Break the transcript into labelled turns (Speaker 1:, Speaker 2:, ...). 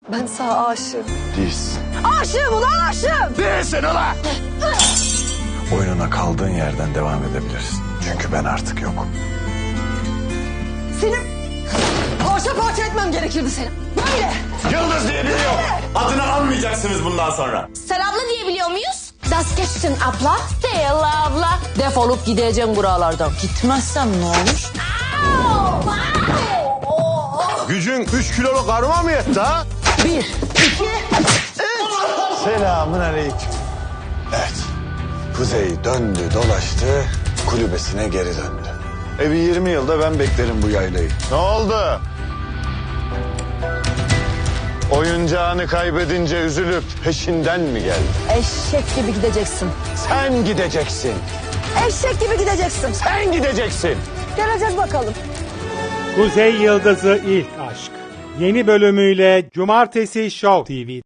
Speaker 1: Ben sana aşığım.
Speaker 2: Değilsin.
Speaker 1: Aşığım ulan aşığım.
Speaker 2: Değilsin ulan! Oyununa kaldığın yerden devam edebilirsin. Çünkü ben artık yokum.
Speaker 1: Senin parça parça etmem gerekirdi seni. Böyle.
Speaker 3: Yıldız diye biri yok. Adını almayacaksınız bundan sonra.
Speaker 4: Sen abla diyebiliyor muyuz? Das geçsin abla. Değil abla. Defolup gideceğim buralardan. Gitmezsem ne olur?
Speaker 2: Gücün 3 kiloluk karıma mı yetti ha?
Speaker 1: 1, 2, 3.
Speaker 2: Selamun aleyküm. Evet. Kuzey döndü dolaştı, kulübesine geri döndü. Evi 20 yılda ben beklerim bu yaylayı. Ne oldu? Oyuncağını kaybedince üzülüp peşinden mi geldin?
Speaker 1: Eşek gibi gideceksin.
Speaker 2: Sen gideceksin.
Speaker 1: Eşek gibi gideceksin.
Speaker 2: Sen gideceksin.
Speaker 1: Geleceğiz bakalım.
Speaker 5: Kuzey Yıldızı İlk Aşk. Yeni bölümüyle Cumartesi Show TV'de.